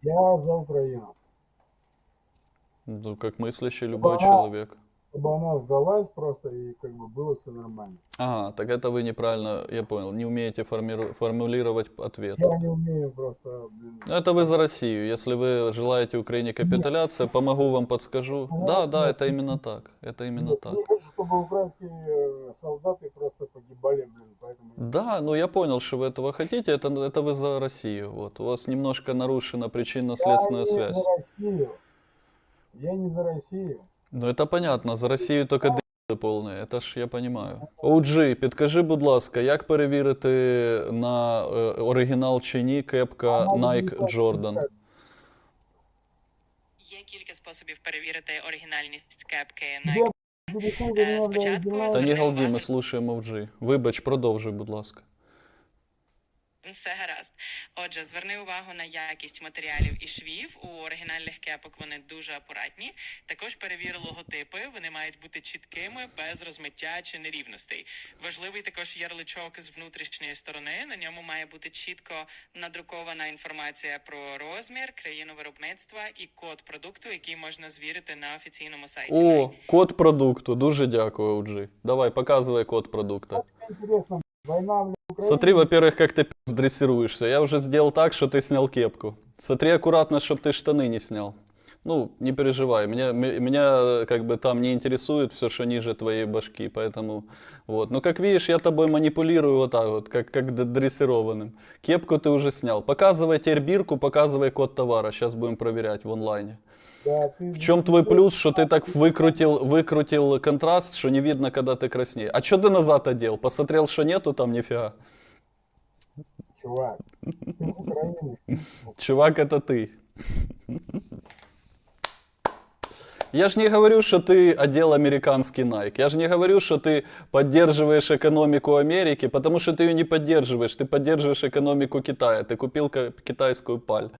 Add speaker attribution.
Speaker 1: Я за Украину.
Speaker 2: Ну, как мыслящий
Speaker 1: Чтобы
Speaker 2: любой
Speaker 1: она,
Speaker 2: человек.
Speaker 1: чтобы она сдалась просто и как бы было все нормально.
Speaker 2: Ага, так это вы неправильно, я понял, не умеете формулировать ответ.
Speaker 1: Я не умею просто, блин,
Speaker 2: Это вы за Россию. Если вы желаете Украине
Speaker 1: нет,
Speaker 2: капитуляции, помогу вам, подскажу.
Speaker 1: нет,
Speaker 2: Да, да,
Speaker 1: нет,
Speaker 2: это именно так. Это именно
Speaker 1: нет,
Speaker 2: так.
Speaker 1: не хочу, чтобы украинские солдаты просто погибали, блин, поэтому я не хочу.
Speaker 2: Да, ну я понял, что вы этого хотите, это вы за Россию. Вот. У вас немножко нарушена
Speaker 1: Я
Speaker 2: причинно-следственная
Speaker 1: не за
Speaker 2: связь.
Speaker 1: Россию. Я не за Россию.
Speaker 2: Ну это понятно, за Росію тільки д***и повне, це ж я понимаю. OG, підкажи, будь ласка, як перевірити на оригінал чи ні кепка
Speaker 1: Она
Speaker 2: Nike Jordan?
Speaker 3: Є кілька способів перевірити оригінальність кепки
Speaker 1: Где
Speaker 3: Nike.
Speaker 1: переходы на
Speaker 3: Спочатку
Speaker 2: Та не
Speaker 3: зверни
Speaker 2: галді, ми
Speaker 3: увагу.
Speaker 2: слушаємо OG. Вибач, продовжуй, будь ласка.
Speaker 3: Все гаразд. Отже, зверни увагу на якість матеріалів і швів. У оригінальних кепок вони дуже акуратні. Також перевір логотипи. Вони мають бути чіткими, без розмиття чи нерівностей. Важливий також ярличок з внутрішньої сторони. На ньому має бути чітко надрукована інформація про розмір, країну виробництва і код продукту, який можна звірити на офіційному сайті.
Speaker 2: О, код продукту. Дуже дякую, OG. Давай, показывай код продукта.
Speaker 1: интересно, война в Украине.
Speaker 2: Смотри, во-первых, как ты дрессируешься. Я уже сделал так, что ты снял кепку. Смотри аккуратно, чтобы ты штаны не снял. Ну, не переживай, меня как бы там не интересует все, что ниже твоей башки, поэтому вот. Но как видишь, я тобой манипулирую вот так вот, как дрессированным. Кепку ты уже снял. Показывай теперь бирку, показывай код товара, сейчас будем проверять в онлайне.
Speaker 1: Да, ты
Speaker 2: В чем твой плюс, что ты так выкрутил контраст, что не видно, когда ты краснеешь? А что ты назад одел? Посмотрел, что нету там нифига?
Speaker 1: чувак. Ты с Украины.
Speaker 2: Чувак, это ты. Я же не говорю, что ты одел американский Nike. Я же не говорю, что ты поддерживаешь экономику Америки, потому что ты ее не поддерживаешь. Ты поддерживаешь экономику Китая. Ты купил китайскую паль.